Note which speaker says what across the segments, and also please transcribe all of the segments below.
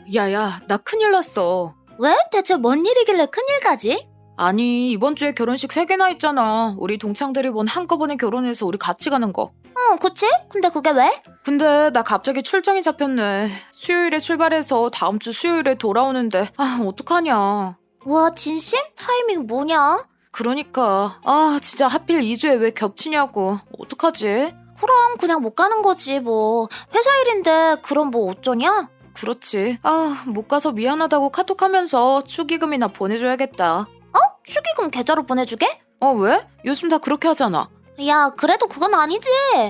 Speaker 1: 야야, 나 큰일 났어.
Speaker 2: 왜? 대체 뭔 일이길래 큰일까지?
Speaker 1: 아니, 이번 주에 결혼식 3개나 있잖아. 우리 동창들이 한꺼번에 결혼해서 우리 같이 가는 거.
Speaker 2: 그치? 근데 그게 왜?
Speaker 1: 근데 나 갑자기 출장이 잡혔네. 수요일에 출발해서 다음 주 수요일에 돌아오는데 어떡하냐.
Speaker 2: 와, 진심? 타이밍 뭐냐?
Speaker 1: 그러니까 진짜 하필 2주에 왜 겹치냐고. 어떡하지?
Speaker 2: 그럼 그냥 못 가는 거지 뭐. 회사 일인데 그럼 뭐 어쩌냐?
Speaker 1: 그렇지. 못 가서 미안하다고 카톡하면서 축의금이나 보내줘야겠다.
Speaker 2: 축의금 계좌로 보내주게?
Speaker 1: 왜? 요즘 다 그렇게 하잖아.
Speaker 2: 야, 그래도 그건 아니지.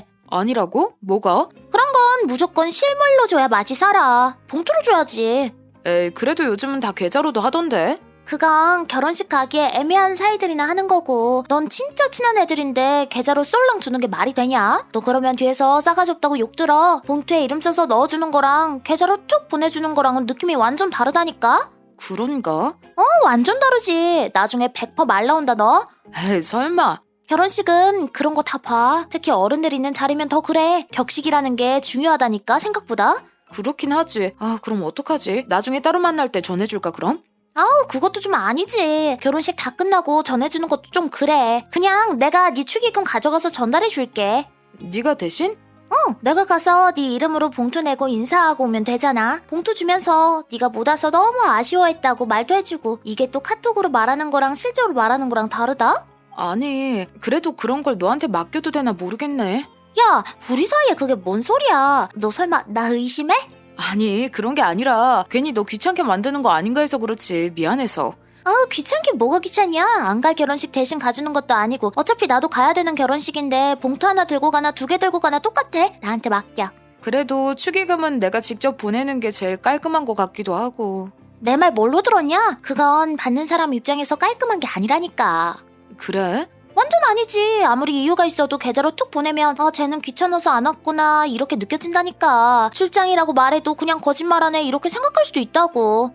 Speaker 1: 아니라고? 뭐가?
Speaker 2: 그건 무조건 실물로 줘야 맛이 살아. 봉투로 줘야지.
Speaker 1: 에이, 그래도 요즘은 다 계좌로도 하던데.
Speaker 2: 그건 결혼식 가기에 애매한 사이들이나 하는 거고, 넌 진짜 친한 애들인데 계좌로 쏠랑 주는 게 말이 되냐? 너 그러면 뒤에서 싸가지 없다고 욕 들어. 봉투에 이름 써서 넣어주는 거랑 계좌로 툭 보내주는 거랑은 느낌이 완전 다르다니까?
Speaker 1: 그런가?
Speaker 2: 완전 다르지. 나중에 100% 말 나온다 너.
Speaker 1: 에이, 설마.
Speaker 2: 결혼식은 그런 거 다 봐. 특히 어른들 있는 자리면 더 그래. 격식이라는 게 중요하다니까 생각보다.
Speaker 1: 그렇긴 하지. 그럼 어떡하지? 나중에 따로 만날 때 전해줄까 그럼?
Speaker 2: 그것도 좀 아니지. 결혼식 다 끝나고 전해주는 것도 좀 그래. 그냥 내가 네 축의금 가져가서 전달해 줄게.
Speaker 1: 네가 대신?
Speaker 2: 내가 가서 네 이름으로 봉투 내고 인사하고 오면 되잖아. 봉투 주면서 네가 못 와서 너무 아쉬워했다고 말도 해주고. 이게 또 카톡으로 말하는 거랑 실제로 말하는 거랑 다르다?
Speaker 1: 아니, 그래도 그런 걸 너한테 맡겨도 되나 모르겠네.
Speaker 2: 야, 우리 사이에 그게 뭔 소리야. 너 설마 나 의심해?
Speaker 1: 아니, 그런 게 아니라 괜히 너 귀찮게 만드는 거 아닌가 해서 그렇지. 미안해서.
Speaker 2: 귀찮긴 뭐가 귀찮냐. 안 갈 결혼식 대신 가주는 것도 아니고 어차피 나도 가야 되는 결혼식인데 봉투 하나 들고 가나 2개 들고 가나 똑같아. 나한테 맡겨.
Speaker 1: 그래도 축의금은 내가 직접 보내는 게 제일 깔끔한 것 같기도 하고.
Speaker 2: 내 말 뭘로 들었냐? 그건 받는 사람 입장에서 깔끔한 게 아니라니까.
Speaker 1: 그래?
Speaker 2: 완전 아니지. 아무리 이유가 있어도 계좌로 툭 보내면 쟤는 귀찮아서 안 왔구나 이렇게 느껴진다니까. 출장이라고 말해도 그냥 거짓말하네 이렇게 생각할 수도 있다고.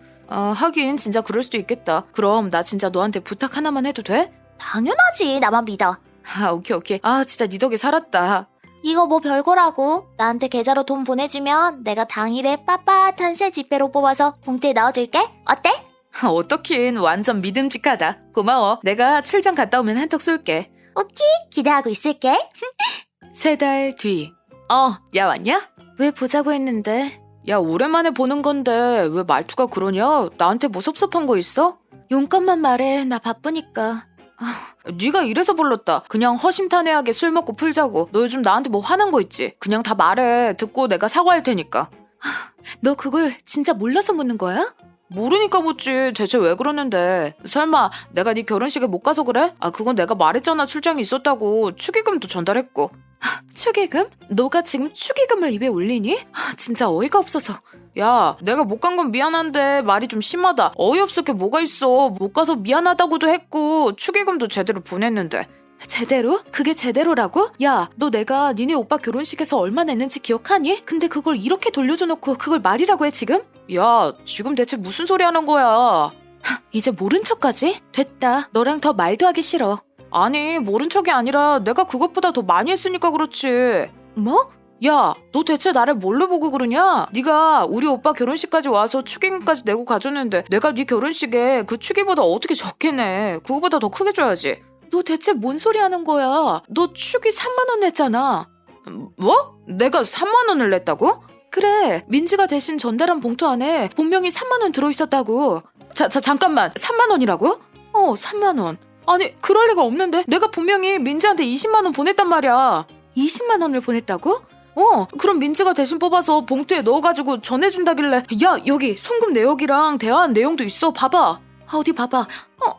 Speaker 1: 하긴 진짜 그럴 수도 있겠다. 그럼 나 진짜 너한테 부탁 하나만 해도 돼?
Speaker 2: 당연하지. 나만 믿어.
Speaker 1: 오케이. 진짜 네 덕에 살았다.
Speaker 2: 이거 뭐 별거라고. 나한테 계좌로 돈 보내주면 내가 당일에 빳빳한 새 지폐로 뽑아서 봉투에 넣어줄게. 어때?
Speaker 1: 어떡긴 완전 믿음직하다. 고마워. 내가 출장 갔다 오면 한턱 쏠게.
Speaker 2: 오케이. 기대하고 있을게.
Speaker 1: 3달 뒤. 야 왔냐?
Speaker 2: 왜 보자고 했는데?
Speaker 1: 야, 오랜만에 보는 건데 왜 말투가 그러냐? 나한테 뭐 섭섭한 거 있어?
Speaker 2: 용건만 말해. 나 바쁘니까.
Speaker 1: 네가 이래서 불렀다. 그냥 허심탄회하게 술 먹고 풀자고. 너 요즘 나한테 뭐 화난 거 있지? 그냥 다 말해. 듣고 내가 사과할 테니까.
Speaker 2: 너 그걸 진짜 몰라서 묻는 거야?
Speaker 1: 모르니까 묻지. 대체 왜 그러는데? 설마 내가 네 결혼식에 못 가서 그래? 그건 내가 말했잖아. 출장이 있었다고. 축의금도 전달했고.
Speaker 2: 축의금? 너가 지금 축의금을 입에 올리니? 진짜 어이가 없어서.
Speaker 1: 야, 내가 못 간 건 미안한데 말이 좀 심하다. 어이없을 게 뭐가 있어. 못 가서 미안하다고도 했고 축의금도 제대로 보냈는데.
Speaker 2: 제대로? 그게 제대로라고? 야, 너 내가 니네 오빠 결혼식에서 얼마 냈는지 기억하니? 근데 그걸 이렇게 돌려줘 놓고 그걸 말이라고 해 지금?
Speaker 1: 야, 지금 대체 무슨 소리 하는 거야?
Speaker 2: 이제 모른 척까지? 됐다. 너랑 더 말도 하기 싫어.
Speaker 1: 아니, 모른 척이 아니라 내가 그것보다 더 많이 했으니까 그렇지.
Speaker 2: 뭐?
Speaker 1: 야, 너 대체 나를 뭘로 보고 그러냐? 네가 우리 오빠 결혼식까지 와서 축의금까지 내고 가줬는데 내가 네 결혼식에 그 축의보다 어떻게 적게 내? 그거보다 더 크게 줘야지.
Speaker 2: 너 대체 뭔 소리 하는 거야? 너 축의 3만 원 냈잖아.
Speaker 1: 뭐? 내가 3만 원을 냈다고?
Speaker 2: 그래, 민지가 대신 전달한 봉투 안에 분명히 3만 원 들어있었다고.
Speaker 1: 잠깐만. 3만 원이라고?
Speaker 2: 3만 원.
Speaker 1: 아니, 그럴 리가 없는데. 내가 분명히 민지한테 20만 원 보냈단 말이야.
Speaker 2: 20만 원을 보냈다고?
Speaker 1: 그럼 민지가 대신 뽑아서 봉투에 넣어가지고 전해준다길래. 야, 여기 송금 내역이랑 대화한 내용도 있어. 봐봐.
Speaker 2: 어디 봐봐.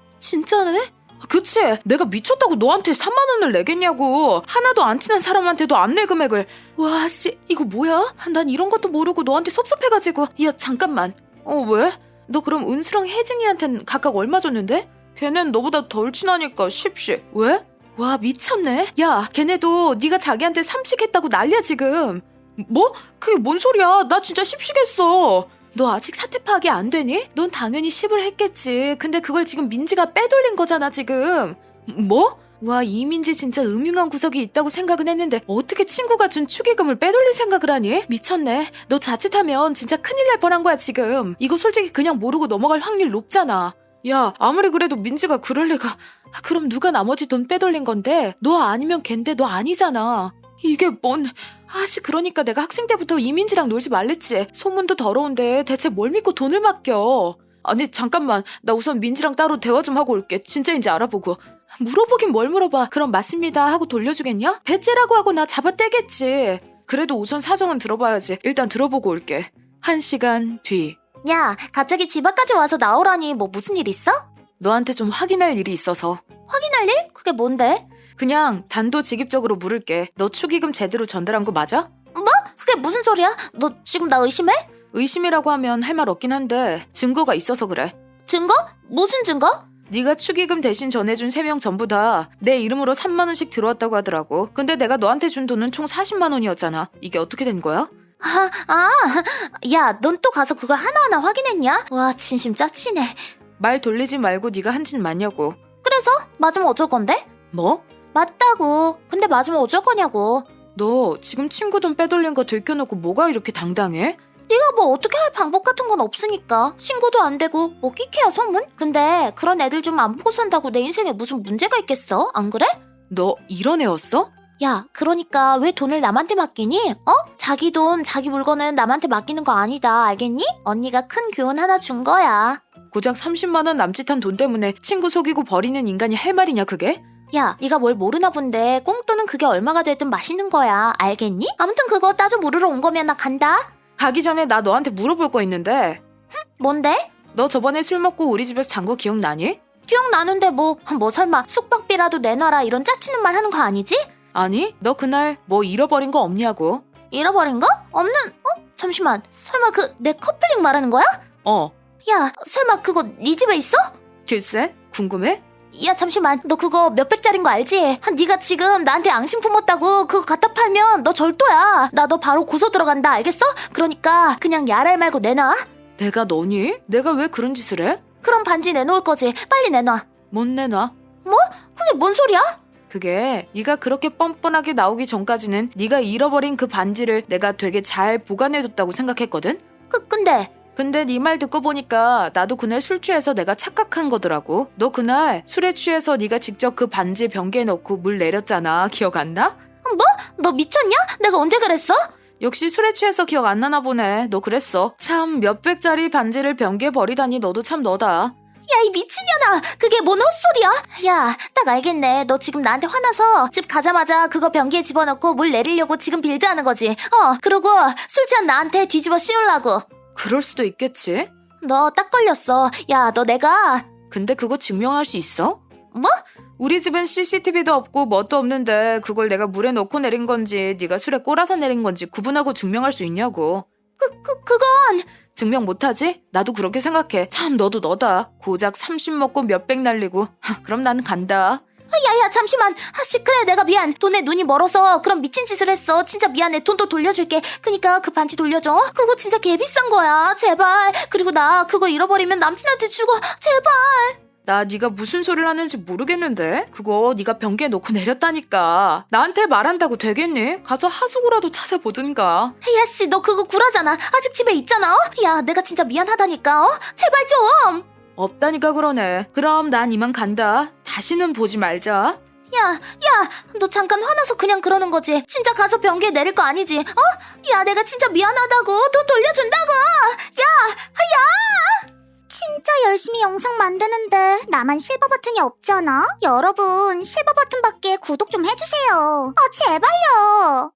Speaker 2: 진짜네?
Speaker 1: 그치? 내가 미쳤다고 너한테 3만 원을 내겠냐고. 하나도 안 친한 사람한테도 안 낼 금액을.
Speaker 2: 와, 씨, 이거 뭐야? 난 이런 것도 모르고 너한테 섭섭해가지고. 야, 잠깐만.
Speaker 1: 왜?
Speaker 2: 너 그럼 은수랑 혜진이한텐 각각 얼마 줬는데?
Speaker 1: 걔넨 너보다 덜 친하니까 10씩. 왜?
Speaker 2: 와, 미쳤네. 야, 걔네도 네가 자기한테 3씩 했다고 난리야 지금.
Speaker 1: 뭐? 그게 뭔 소리야? 나 진짜 10씩 했어.
Speaker 2: 너 아직 사태 파악이 안 되니? 넌 당연히 10을 했겠지. 근데 그걸 지금 민지가 빼돌린 거잖아 지금.
Speaker 1: 뭐? 와, 이민지 진짜 음흉한 구석이 있다고 생각은 했는데 어떻게 친구가 준 축의금을 빼돌릴 생각을 하니? 미쳤네. 너 자칫하면 진짜 큰일 날 뻔한 거야 지금. 이거 솔직히 그냥 모르고 넘어갈 확률 높잖아. 야, 아무리 그래도 민지가 그럴 리가. 그럼 누가 나머지 돈 빼돌린 건데? 너 아니면 걘데 너 아니잖아. 이게 뭔... 그러니까 내가 학생 때부터 이민지랑 놀지 말랬지. 소문도 더러운데 대체 뭘 믿고 돈을 맡겨. 아니 잠깐만, 나 우선 민지랑 따로 대화 좀 하고 올게. 진짜인지 알아보고. 물어보긴 뭘 물어봐. 그럼 맞습니다 하고 돌려주겠냐? 배째라고 하고 나 잡아떼겠지. 그래도 우선 사정은 들어봐야지. 일단 들어보고 올게. 1시간 뒤.
Speaker 2: 야, 갑자기 집 앞까지 와서 나오라니 뭐 무슨 일 있어?
Speaker 1: 너한테 좀 확인할 일이 있어서.
Speaker 2: 확인할 일? 그게 뭔데?
Speaker 1: 그냥 단도직입적으로 물을게. 너 축의금 제대로 전달한 거 맞아?
Speaker 2: 그게 무슨 소리야? 너 지금 나 의심해?
Speaker 1: 의심이라고 하면 할 말 없긴 한데 증거가 있어서 그래.
Speaker 2: 증거? 무슨 증거?
Speaker 1: 네가 축의금 대신 전해준 3명 전부 다 내 이름으로 3만 원씩 들어왔다고 하더라고. 근데 내가 너한테 준 돈은 총 40만 원이었잖아. 이게 어떻게 된 거야?
Speaker 2: 야, 넌 또 가서 그걸 하나하나 확인했냐? 와, 진심 짜치네.
Speaker 1: 말 돌리지 말고 네가 한 짓 맞냐고.
Speaker 2: 그래서? 맞으면 어쩔 건데?
Speaker 1: 뭐?
Speaker 2: 맞다고. 근데 맞으면 어쩔 거냐고.
Speaker 1: 너 지금 친구 돈 빼돌린 거 들켜놓고 뭐가 이렇게 당당해?
Speaker 2: 네가 뭐 어떻게 할 방법 같은 건 없으니까. 신고도 안 되고 뭐 끼케야 소문? 근데 그런 애들 좀 안 보고 산다고 내 인생에 무슨 문제가 있겠어? 안 그래?
Speaker 1: 너 이런 애였어?
Speaker 2: 야, 그러니까 왜 돈을 남한테 맡기니? 자기 돈, 자기 물건은 남한테 맡기는 거 아니다. 알겠니? 언니가 큰 교훈 하나 준 거야.
Speaker 1: 고작 30만 원 남짓한 돈 때문에 친구 속이고 버리는 인간이 할 말이냐 그게?
Speaker 2: 야, 네가 뭘 모르나 본데 꽁돈은 그게 얼마가 되든 맛있는 거야. 알겠니? 아무튼 그거 따져 물으러 온 거면 나 간다.
Speaker 1: 가기 전에 나 너한테 물어볼 거 있는데.
Speaker 2: 뭔데?
Speaker 1: 너 저번에 술 먹고 우리 집에서 잔 거 기억나니?
Speaker 2: 기억나는데 뭐 설마 숙박비라도 내놔라 이런 짜치는 말 하는 거 아니지?
Speaker 1: 아니, 너 그날 뭐 잃어버린 거 없냐고.
Speaker 2: 잃어버린 거? 없는? 잠시만. 설마 그 내 커플링 말하는 거야? 야, 설마 그거 네 집에 있어?
Speaker 1: 글쎄, 궁금해?
Speaker 2: 야, 잠시만. 너 그거 몇백짜린 거 알지? 네가 지금 나한테 앙심 품었다고 그거 갖다 팔면 너 절도야. 나 너 바로 고소 들어간다. 알겠어? 그러니까 그냥 야랄 말고 내놔.
Speaker 1: 내가 너니? 내가 왜 그런 짓을 해?
Speaker 2: 그럼 반지 내놓을 거지. 빨리 내놔.
Speaker 1: 못 내놔.
Speaker 2: 그게 뭔 소리야?
Speaker 1: 그게 네가 그렇게 뻔뻔하게 나오기 전까지는 네가 잃어버린 그 반지를 내가 되게 잘 보관해뒀다고 생각했거든?
Speaker 2: 근데
Speaker 1: 네 말 듣고 보니까 나도 그날 술 취해서 내가 착각한 거더라고. 너 그날 술에 취해서 네가 직접 그 반지에 변기에 넣고 물 내렸잖아. 기억 안 나?
Speaker 2: 너 미쳤냐? 내가 언제 그랬어?
Speaker 1: 역시 술에 취해서 기억 안 나나 보네. 너 그랬어. 참 몇백짜리 반지를 변기에 버리다니 너도 참 너다.
Speaker 2: 야, 이 미친년아. 그게 뭔 헛소리야? 야, 딱 알겠네. 너 지금 나한테 화나서 집 가자마자 그거 변기에 집어넣고 물 내리려고 지금 빌드하는 거지. 그리고 술 취한 나한테 뒤집어 씌우려고.
Speaker 1: 그럴 수도 있겠지.
Speaker 2: 너 딱 걸렸어. 야, 너 내가...
Speaker 1: 근데 그거 증명할 수 있어?
Speaker 2: 뭐?
Speaker 1: 우리 집은 CCTV도 없고 뭣도 없는데 그걸 내가 물에 넣고 내린 건지 네가 술에 꼬라서 내린 건지 구분하고 증명할 수 있냐고.
Speaker 2: 그건...
Speaker 1: 증명 못하지? 나도 그렇게 생각해. 참 너도 너다. 고작 30 먹고 몇백 날리고. 그럼 난 간다.
Speaker 2: 야야, 잠시만. 그래, 내가 미안. 돈에 눈이 멀어서 그런 미친 짓을 했어. 진짜 미안해. 돈도 돌려줄게. 그니까 그 반지 돌려줘. 그거 진짜 개비싼 거야. 제발. 그리고 나 그거 잃어버리면 남친한테 주고. 제발.
Speaker 1: 나 네가 무슨 소리를 하는지 모르겠는데? 그거 네가 변기에 놓고 내렸다니까. 나한테 말한다고 되겠니? 가서 하수구라도 찾아보든가.
Speaker 2: 야씨, 너 그거 구라잖아. 아직 집에 있잖아. 야, 내가 진짜 미안하다니까. 제발 좀.
Speaker 1: 없다니까 그러네. 그럼 난 이만 간다. 다시는 보지 말자.
Speaker 2: 야, 너 잠깐 화나서 그냥 그러는 거지. 진짜 가서 변기에 내릴 거 아니지? 야, 내가 진짜 미안하다고. 돈 돌려준다고.
Speaker 3: 진짜 열심히 영상 만드는데 나만 실버 버튼이 없잖아? 여러분, 실버 버튼밖에 구독 좀 해주세요. 제발요.